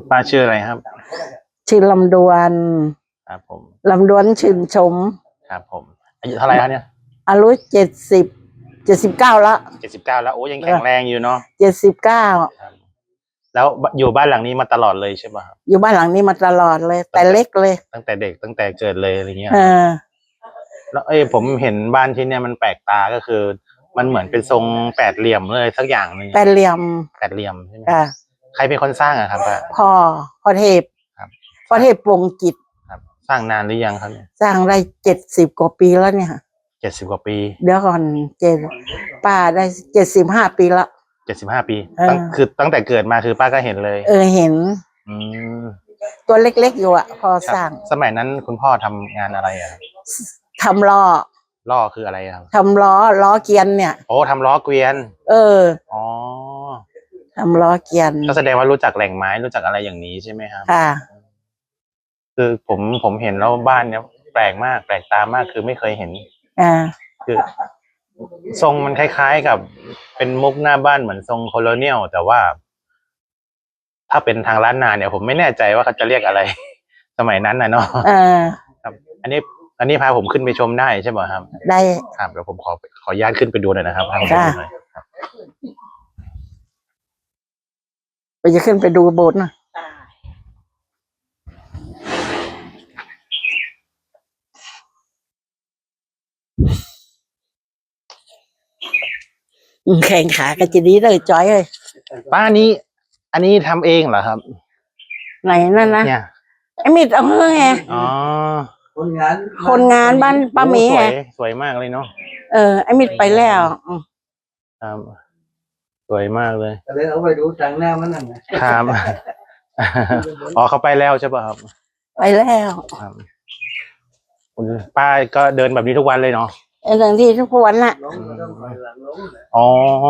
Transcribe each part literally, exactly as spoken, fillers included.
ป้าชื่ออะไรครับชื่อลำดวนครับผมลำดวนชื่นชมครับผมอายุเท่าไหร่ครับเนี่ยอายุเจ็ดสิบเจ็ดสิบเก้าแล้วเจ็ดสิบเก้าแล้วโอ้ยังแข็งแรงอยู่เนาะเจ็ดสิบเก้าแล้วอยู่บ้านหลังนี้มาตลอดเลยใช่ป่ะครับอยู่บ้านหลังนี้มาตลอดเลยแต่เล็กเลยตั้งแต่เด็กตั้งแต่เกิดเลยอะไรเงี้ยเออแล้วเอ้ยผมเห็นบ้านที่เนี่ยมันแปลกตาก็คือมันเหมือนเป็นทรงแปดเหลี่ยมเลยสักอย่างนึงแปดเหลี่ยมแปดเหลี่ยมใช่ไหมใครเป็นคนสร้างอะครับป้าพ่อพ่อเทพครับพ่อเทพปวงจิตครับสร้างนานหรือยังครับเนี่ยสร้างได้เจ็ดสิบกว่าปีแล้วเนี่ยเจ็ดสิบกว่าปีเดี๋ยวก่อนเจ็ดป้าได้เจ็ดสิบห้าปีละเจ็ดสิบห้าปีตั้งคือตั้งแต่เกิดมาคือป้าก็เห็นเลยเออเห็นอืมตัวเล็กๆอยู่อ่ะพอสร้างสมัยนั้นคุณพ่อทำงานอะไรอ่ะทำล้อล้อคืออะไรครับทำล้อล้อเกวียนเนี่ยโอ้ทำล้อเกวียนเอออ๋อทำล้อเกวียนก็แสดงว่ารู้จักแหล่งไม้รู้จักอะไรอย่างนี้ใช่ไหมครับค่ะคือผมผมเห็นแล้วบ้านเนี้ยแปลกมากแปลกตามากคือไม่เคยเห็นอ่าคือทรงมันคล้ายๆกับเป็นมุกหน้าบ้านเหมือนทรงโคโลเนียลแต่ว่าถ้าเป็นทางล้านนาเนี่ยผมไม่แน่ใจว่าเขาจะเรียกอะไรสมัยนั้นนะเนาะอ่าครับอันนี้อันนี้พาผมขึ้นไปชมได้ใช่ไหมครับได้ครับเดี๋ยวผมขอขออนุญาตขึ้นไปดูหน่อยนะครับพาผมไปดูหน่อยครับไปจะขึ้นไปดูโบสถ์นะแข่งขากันจะดีเลยจอยเลยป้านี้อันนี้ทำเองเหรอครับไหนนั่นนะเนี่ยไอ้มิดเอาเฮ้ยอ๋อคนงานคนงานบ้านป้าเมย์สวยสวยมากเลยเนาะเออไอ้มิดไปแล้วครับสวยมากเลยเลยเอาไปดูทางหน้ามันนั่นครับอ๋อเขาไปแล้วใช่ป่ะครับไปแล้วครับป้าก็เดินแบบนี้ทุกวันเลยเนาะไอ้เรื่องที่ทุกวันน่ะอ๋อ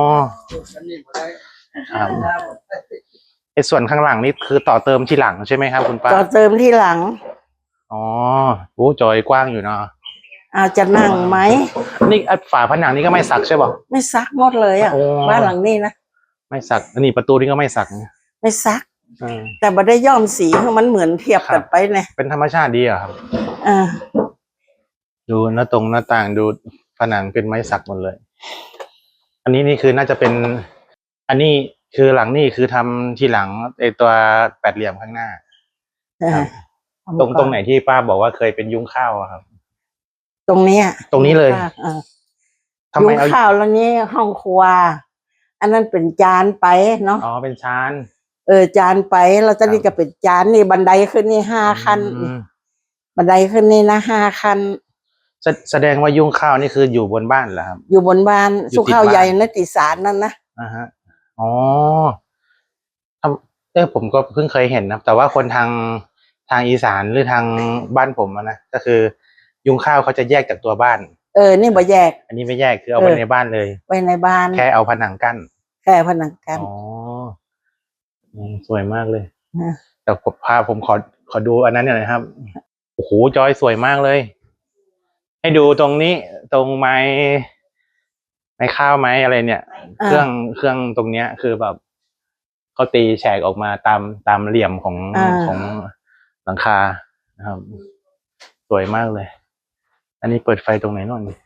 ครับไอ้ส่วนข้างหลังนี่คือต่อเติมที่หลังใช่ไหมครับคุณป้าต่อเติมที่หลังอ๋อโอ้จอยกว้างอยู่เนาะเอาจะนั่งไหมนี่ฝาผนังนี่ก็ไม่สักใช่ป่ะไม่ซักหมดเลยอ่ะบ้านหลังนี้นะไม่สักอันนี้ประตูนี่ก็ไม่สักไม่ซักแต่บัได้ย้อมสีมันเหมือนเทียบกันไปเนี่ยเป็นธรรมชาติดีอ่ะครับอ่าดูหน้าตรงหน้าต่างดูผนังเป็นไม้สักหมดเลยอันนี้นี่คือน่าจะเป็นอันนี้คือหลังนี่คือทำที่หลังไอตัวแปดเหลี่ยมข้างหน้าตรงตรงไหนที่ป้าบอกว่าเคยเป็นยุ้งข้าวครับตรงนี้ตรงนี้เลยยุ้งข้าวแล้วนี้ห้องครัวอันนั้นเป็นจานไปเนาะอ๋อเป็นชานเออจานไปเราจะนี่ก็เป็นจานนี่บันไดขึ้นนี่ห้าขั้นบันไดขึ้นนี่นะห้าขั้นแสดงว่ายุ้งข้าวนี่คืออยู่บนบ้านเหรอครับอยู่บนบ้านสุข้าวใหญ่นติสารนั่นนะอ่าฮะอ๋อเออผมก็เพิ่งเคยเห็นนะแต่ว่าคนทางทางอีสานหรือทางบ้านผมนะก็คือยุ้งข้าวเขาจะแยกจากตัวบ้านเออนี่บ่แยกอันนี้ไม่แยกคือเอาไว้ในบ้านเลยไว้ในบ้านแค่เอาผนังกั้นแค่ผนังกั้นอ๋อสวยมากเลยแต่ผมพาผมขอขอดูอันนั้นหน่อยครับโอ้โหจอยสวยมากเลยให้ดูตรงนี้ตรงไม้ไม้ข้าวไม้อะไรเนี่ยเครื่องเครื่องตรงเนี้ยคือแบบเขาตีแฉกออกมาตามตามเหลี่ยมของของหลังคานะครับสวยมากเลยอันนี้เปิดไฟตรงไหนน่นนี่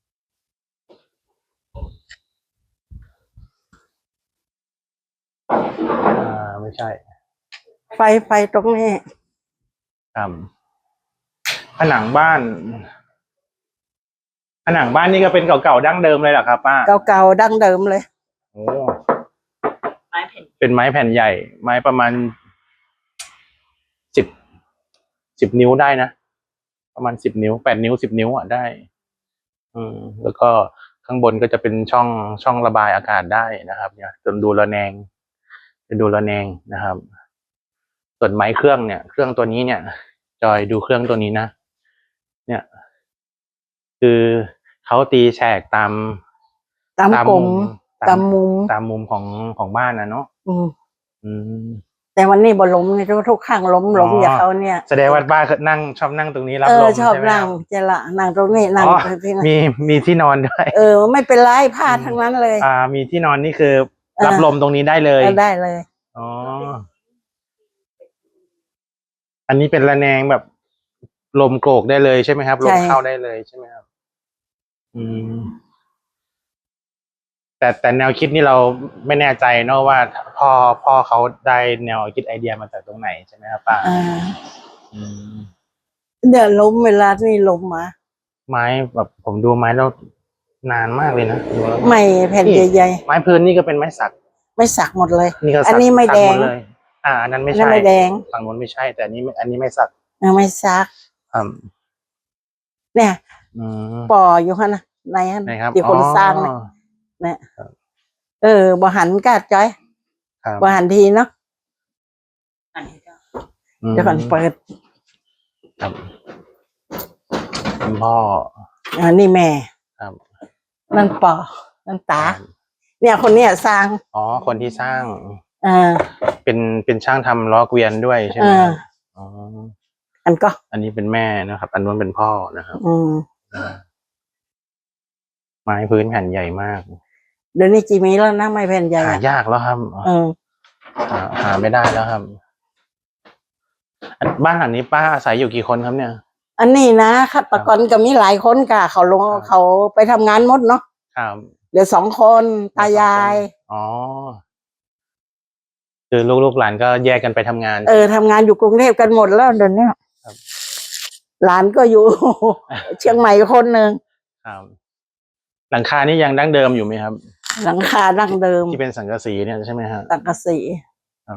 อ่าไม่ใช่ไฟไฟตรงนี้ครับผนังบ้านผนังบ้านนี่ก็เป็นเก่าๆดั้งเดิมเลยเหรอครับป้าเก่าๆดั้งเดิมเลยโอ้ไม้แผ่นเป็นไม้แผ่นใหญ่ไม้ประมาณสิบสิบนิ้วได้นะประมาณสิบนิ้วแปดนิ้วสิบนิ้วอ่ะได้อืมแล้วก็ข้างบนก็จะเป็นช่องช่องระบายอากาศได้นะครับเนี่ยจนดูระแนงจะดูระแนงนะครับส่วนไม้เครื่องเนี่ยเครื่องตัวนี้เนี่ยจอยดูเครื่องตัวนี้นะเนี่ยคือเขาตีแฉกตามตามกลมตามมุมตามมุมของของบ้านนะเนาะอืมอืมแต่วันนี้บ่ล้มเลยทุกข้างล้มล้มอย่างเขาเนี่ยแสดงว่าบ้านนั่งชอบนั่งตรงนี้รับลมชอบนั่งจะละนั่งตรงนี้นั่งที่มีมีที่นอนด้วยเออไม่เป็นไรผ้าทั้งนั้นเลยอ่ามีที่นอนนี่คือรับลมตรงนี้ได้เลยได้เลยอ๋ออันนี้เป็นระแนงแบบลมโกรกได้เลยใช่ไหมครับลใช่มเข้าได้เลยใช่ไหมครับ อืม แต่แต่แนวคิดนี่เราไม่แน่ใจเนอะว่าพ่อพ่อเขาได้แนวคิดไอเดียมาจากตรงไหนใช่ไหมครับป้าอ่าอืมเดี๋ยวล้มเวลานี่ล้มมาไม้แบบผมดูไม้แล้วนานมากเลยนะดูแล้วไม่แผ่นนี่ใหญ่ไม้พื้นนี่ก็เป็นไม้สักๆไม่สักหมดเลยนี่ก็อัสันกนี้ไม่สักแดหมงดเลย อ่าอันนั้นไม่อันนั้ใช่นไม่แดงฝั่งนู้นไม่ใช่ แต่อันนี้ไม่อันนี้ไม่สักอ่าไม่ซักครับเนี่ยอืมปออยู่ฮะนะในฮะไหนครับที่คนสร้างเนี่ยอ๋อเนี่ยเออบ่หันกาดจ้อยครับบ่หันทีเนาะอืมเดี๋ยวก่อนเปิดครับคุณพ่ออ่านี่แม่ครับนั่นปอนั่นตา เนี่ยคนเนี้ยสร้างอ๋อคนที่สร้างอ่าเป็นเป็นช่างทำล้อเกวียนด้วยใช่ไหมอ่าครับอ๋ออันก็อันนี้เป็นแม่นะครับ อันนู้นเป็นพ่อนะครับอืมไม้พื้นแผ่นใหญ่มากเดี๋ยวนี้จีมีแล้วนะไม่แผ่นใหญ่หาอะยากแล้วครับเออหาหาไม่ได้แล้วครับ บ้านหลังนี้ป้าอาศัยอยู่กี่คนครับเนี่ยอันนี้นะฆาตกรก็มีหลายคนกะเขาลงครับเขาไปทำงานหมดเนาะครับเดี๋ยวสองคนตายายอ๋อ คือลูกๆหลานก็แยกกันไปทำงานเออทำงานอยู่กรุงเทพกันหมดแล้วเดี๋ยวนี้ครับหลานก็อยู่ เชียงใหม่คนหนึ่งครับ หลังคานี่ยังดั้งเดิมอยู่ไหมครับหลังคาดั้งเดิมที่เป็นสังกะสีเนี่ยใช่ไหมฮะสังกะสีครับ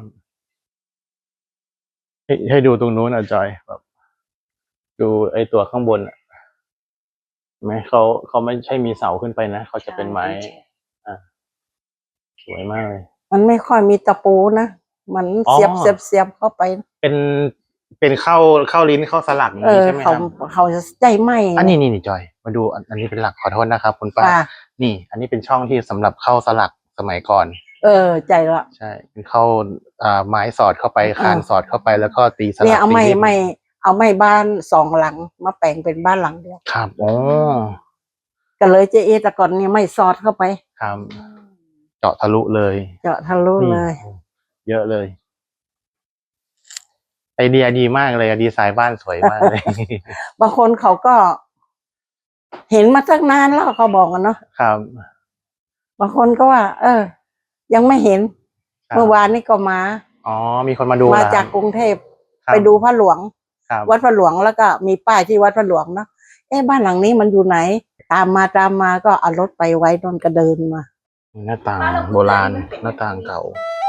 ให้ให้ดูตรงนู้นอ่ะจอยแบบดูไอ้ตัวข้างบนอ่ะเห็นไหมเขาเขาไม่ใช่มีเสาขึ้นไปนะเขาจะเป็นไม้อ่ะสวยมากเลยมันไม่ค่อยมีตะปูนะมันอ๋อเสียบเสียบเสียบเข้าไปเป็นเป็นเข้าเข้าลิ้นเข้าสลักอย่างเอนี้อใช่ไหมคเขารับเขาจะใจไหมอันนี้นี่นี่จอย มาดูอันอันนี้เป็นหลักขอโทษนะครับคุณป้าป้านี่ อันนี้เป็นช่องที่สำหรับเข้าสลักสมัยก่อนเออ ใจละใช่เป็นเข้าอ่าไม้สอดเข้าไปคานอ่าสอดเข้าไปแล้วก็ตีสลักเนี่ยเอาไม่ตีลิ้นไม่เอาไม่บ้านสองหลังมาแปลงเป็นบ้านหลังเดียวครับโอ้ก็เลยเจเอแต่ก่อนเนี่ยไม่ซอดเข้าไปครับ เจาะทะลุเลยเจาะทะลุนี่เลยเยอะเลย ไอเดียดีมากเลยอะดีไซน์บ้านสวยมากเลยบางคนเขาก็ เห็นมาตั้งนานแล้วเขาบอกกันเนาะครับบางคนก็ว่า เออ ยังไม่เห็นครับเมื่อวานนี้ก็มาอ๋อมีคนมาดูมาเหรอจากกรุงเทพครับไปดูพระหลวงครับวัดพระหลวงแล้วก็มีป้ายที่วัดพระหลวงเนาะเอ๊ะบ้านหลังนี้มันอยู่ไหน ตามมาตามมาก็เอารถไปไว้นนก็เดินมาหน้าต่างโบราณหน้าต่างเก่า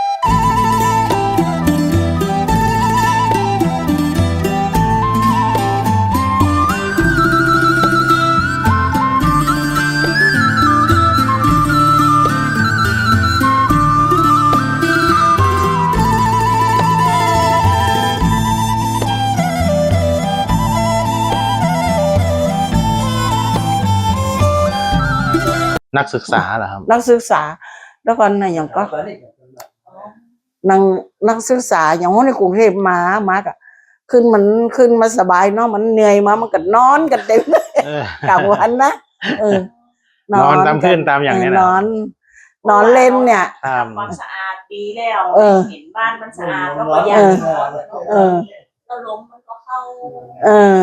นักศึกษาเหรอครับนักศึกษา แล้วก็นะอย่างก็นางนักศึกษาอย่างว่าในกรุงเทพมามาก็ขึ้นมันขึ้นมาสบายเนาะมันเหนื่อยมามันก็นอนกันเต็มเลยเออกลางวันนะเออนอนตามพื้นตามอย่างเนี้ยนะนอน นอนเล่นเนี่ยครับทำความสะอาดดีแล้วเออเห็นบ้านมันสะอาดแล้วก็อยากเออ เออแล้วล้มมันก็เข้าเออ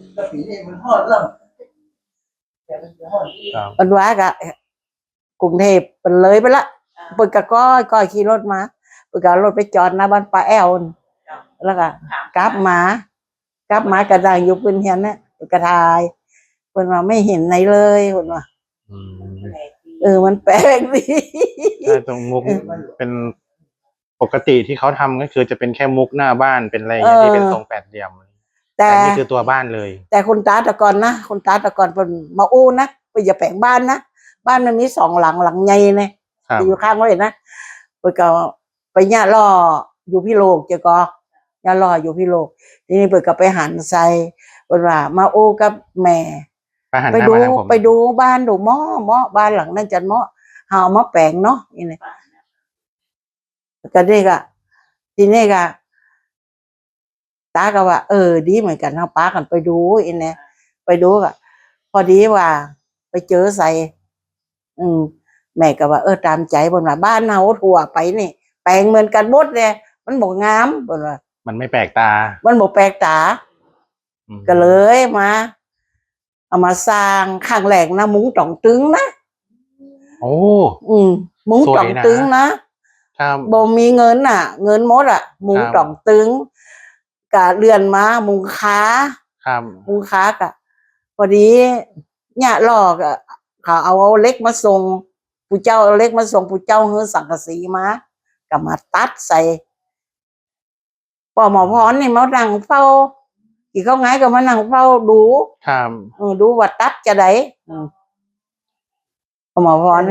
ครับมันว่ากะกรุงเทพเป็นเลยไปละปึกกะก้อยก้อยขี่รถมาปึกกะรถไปจอดหน้าบ้านป้าแอลนแล้วก็กลับมากลับมากระดังอยู่พื้นเฮียนเนี่ยปึกกะทายเพิ่นว่าไม่เห็นไหนเลยเพิ่นว่าอืมเออมันแปลกดีใช่ตรงมุกเป็นปกติที่เขาทำก็คือจะเป็นแค่มุกหน้าบ้านเป็นอะไรอย่างเงี้ยที่เป็นทรงแปดเหลี่ยมแต่แต่นี่คือตัวบ้านเลยแต่คุณตาแตะกอนนะคุณตาแตะกอนเป็นมาอู้นะไปอย่าแปลงบ้านนะบ้านมันมีสองหลังหลังใหญ่เนี่ยครับอยู่ข้างไว้นะไปก็ไปย่าล่ออยู่พี่โลกเจ้าก็ย่าล่ออยู่พี่โลกทีนี้เปิดก็ไปหันใส่เปิดว่ามาอู้กับแม่ไปหันหไปน้าดูมาทางผมไปดูบ้านดูหม้อหม้อบ้านหลังนั้นจันหม้อหาเอามาแปลงเนาะนี่นี่ก็นี่ก็ทีนี้ก็ตาก็ว่า เออ ดีเหมือนกันเอาป้ากันไปดูอีเนี่ยไปดูก็พอดีว่า ไปเจอใส่ อืม แม่ก็ว่าเออตามใจบนว่าบ้านเฮาทั่วไปนี่แปลงเหมือนกันหมดเลยมันบอกงามบนว่ามันไม่แปลกตามันบอกแปลกตาอืมก็เลยมา เอามาสร้างข้างแหลกนะมุ้งต่องตึงนะโอ้อืมมุ้งสวยนะต่องตึงนะครับ บ่มีเงินอ่ะ เงินหมดอ่ะ มุ้งครับต่องตึงกะเรือนมามุงค้าครับมุงค้ากะพอดีเนี่ยหลอกอ่ะเขาเอาเล็กมาส่งปู่เจ้าเอาเล็กมาส่งปู่เจ้าเฮือสังกะสีมาก็มาตัดใส่ปอหมอพรนี่มานั่งเฝ้ากี่เขาไงก็มานั่งเฝ้าดูครับเออดูว่าตัดจะได้อืมปอหมอพรนี่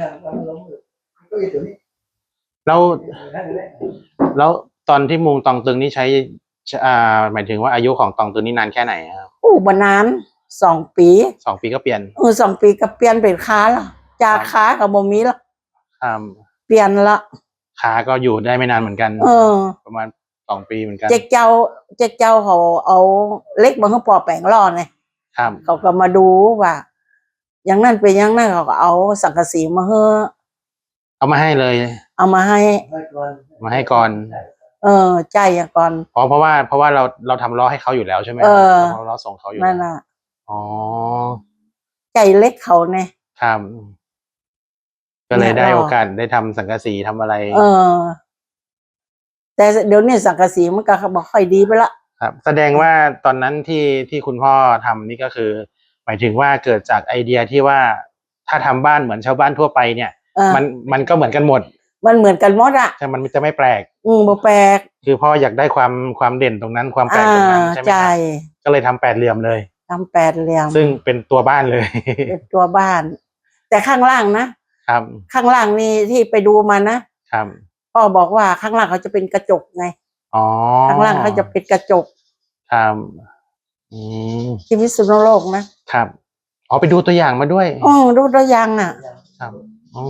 แล้วแล้วตอนที่มุงตองตึงนี่ใช้อ่าหมายถึงว่าอายุของตองตึงนี่นานแค่ไหนครับอู้บนานสองปีสองปีก็เปลี่ยนเออสองปีก็เปลี่ยนเป็นค้าละจากค้ากับบ่มีละครับเปลี่ยนละขาก็อยู่ได้ไม่นานเหมือนกันเออประมาณสองปีเหมือนกันเจ๊กเจ้าเจ๊กเจ้าเขาเอาเล็กมาให้ปอแปลงร่อไงครับเขาก็มาดูว่าอย่างนั้นเป็นอย่างนั้นเขาก็เอาสังกะสีมาให้เอามาให้เลยเอามาให้มาให้ก่อนเออใจอย่างก่อนอ๋อเพราะว่าเพราะว่าเราเราทำล้อให้เขาอยู่แล้วใช่ไหมเออเราล้อส่งเขาอยู่นั่นแล้วน่ะอ๋อใจเล็กเขาเนี่ยครับ ก็เลยเนี่ยได้เราโอกาสได้ทำสังกะสีทำอะไรเออ แต่เดี๋ยวนี้สังกะสีมันก็บอกค่อยดีไปละครับ แสดงว่าตอนนั้นที่ที่คุณพ่อทำนี่ก็คือ หมายถึงว่าเกิดจากไอเดียที่ว่าถ้าทำบ้านเหมือนชาวบ้านทั่วไปเนี่ยเออมันมันก็เหมือนกันหมดมันเหมือนกันหมดอ่ะใช่มันจะไม่แปลกอืมบ่แปลกคือพ่ออยากได้ความความเด่นตรงนั้นความแปลกตรงนั้นใช่ไหมใจครับก็เลยทำแปดเหลี่ยมเลยทำแปดเหลี่ยมซึ่งเป็นตัวบ้านเลยเป็นตัวบ้าน แต่ข้างล่างนะครับ ข้างล่างนี่ที่ไปดูมานะครับ พ่อบอกว่าข้างล่างเขาจะเป็นกระจกไงอ๋อข้างล่างเขาจะเป็นกระจกครับอืมที่พิษณุโลกนะครับอ๋อไปดูตัวอย่างมาด้วยอ๋อดูตัวอย่างอ่ะครับอ๋อ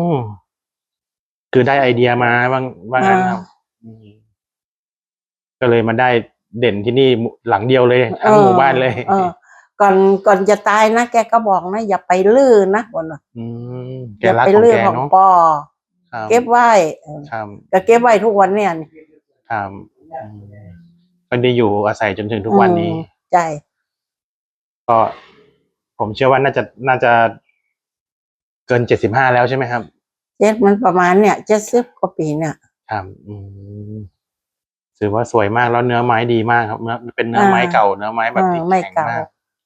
คือได้ไอเดียมาว่าว่างั้นครับอืมก็เลยมาได้เด่นที่นี่หลังเดียวเลยทั้งหมู่บ้านเลยออก่อนก่อนจะตายนะแกก็บอกนะอย่าไปลื้อนะบอกว่าอืมแกอย่ารักไปของลื้อแกของเนาะปอครับเก็บไว้เออครับก็เก็บไว้ทุกวันเนี่ยครับอืมก็ได้อยู่อาศัยจนถึงทุกวันนี้อืมใจก็ ผมเชื่อว่าน่าจะน่าจะเกินเจ็ดสิบห้าแล้วใช่ไหมครับเจ็ดมันประมาณเนี่ยเจ็ดสิบกว่าปีเนี่ยครับ อืมถือว่าสวยมากแล้วเนื้อไม้ดีมากครับเนื้อเป็นเนื้อไม้เก่าเนื้อไม้แบบที่เออไม้แข็งเก่ามาก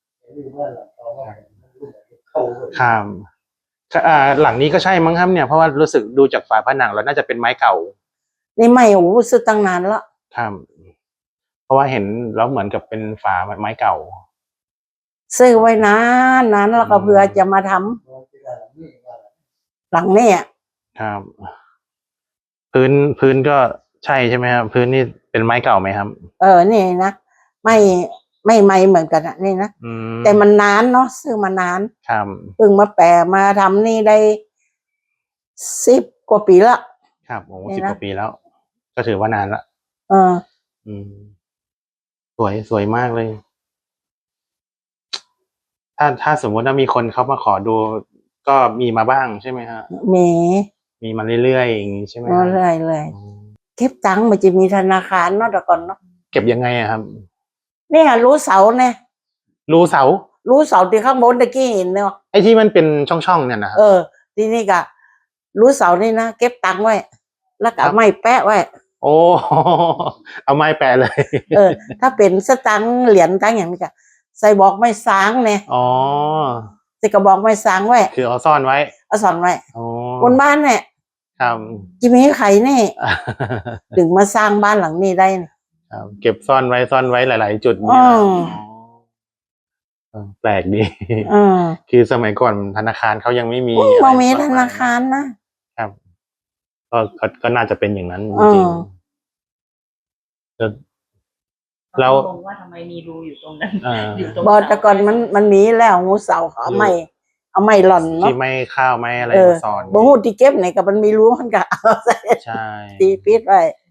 ครับอ่าหลังนี้ก็ใช่มั้งครับเนี่ยเพราะว่ารู้สึกดูจากฝาผนังแล้วน่าจะเป็นไม้เก่านี่ไม่โอ้โหซื้อตั้งนานละครับ เพราะว่าเห็นแล้วเหมือนกับเป็นฝาไม้เก่าซื้อไว้นานนานแล้วก็อืมเพื่อจะมาทำหลังเนี่ยครับ พื้นพื้นก็ใช่ใช่ไหมครับพื้นนี่เป็นไม้เก่าไหมครับเออนี่นะไม่ไม่ไม่เหมือนกันอะนี่นะอืมแต่มันนานเนาะซื้อมานานครับเพิ่งมาแปะมาทำนี่ได้สิบกว่าปีละครับโอ้นี่สิบนะกว่าปีแล้ว ก็ถือว่านานละเอออืม สวยสวยมากเลย ถ้าถ้าสมมติว่ามีคนเขามาขอดู ก็มีมาบ้างใช่ไหมฮะมีมีมาเรื่อยๆอย่างนี้ใช่ไหมฮะเรื่อยเลยอืมเก็บตังค์มันจะมีธนาคารเนาะแต่ก่อนเนาะเก็บยังไงอะครับเนี่ยรู้เสาเนี่ยรูเสารู้เสาที่ข้างบนตะกี้เห็นเนาะไอ้ที่มันเป็นช่องๆเนี่ยนะครับเออ ที่นี่ก็รู้เสานี่นะเก็บตังค์ไว้ แล้วก็เอาไม้แปะไว้โอ้ เอาไม้แปะเลยเออ ถ้าเป็นสตังค์เหรียญตังค์อย่างนี้ก็ใส่บอกไม้สางเนี่ยอ๋อใส่กระบอกไม้สางไว้คือเอาซ่อนไว้เอาสอนไว้โอ้บนบ้านเนี่ยครับจะมีใครเนี่ยถึงมาสร้างบ้านหลังนี้ได้เนี่ยครับเก็บซ่อนไว้ซ่อนไว้หลาย ๆ จุดอืเนี่ยนะมอ๋อแปลกดีอืมคือสมัยก่อนธนาคารเขายังไม่มีเรามีอะไรธกนาคารนะครับ ก็ก็ก็น่าจะเป็นอย่างนั้นจอืริงมๆแล้ว แล้วงงว่าทำไมมีรูอยู่ตรงนั้นอ่าอยู่ตรงบอแต่ก่อนมันมันมีแล้วงูเสาเขาเอาไม่เอาไม่หล่อนเนาะที่ไม่ข้าวไม่อะไรเออมาสอนบ่ฮู้ที่เก็บไหนกับมันมีรู้มันก็เอาใส่ใช่ตีปิดไว้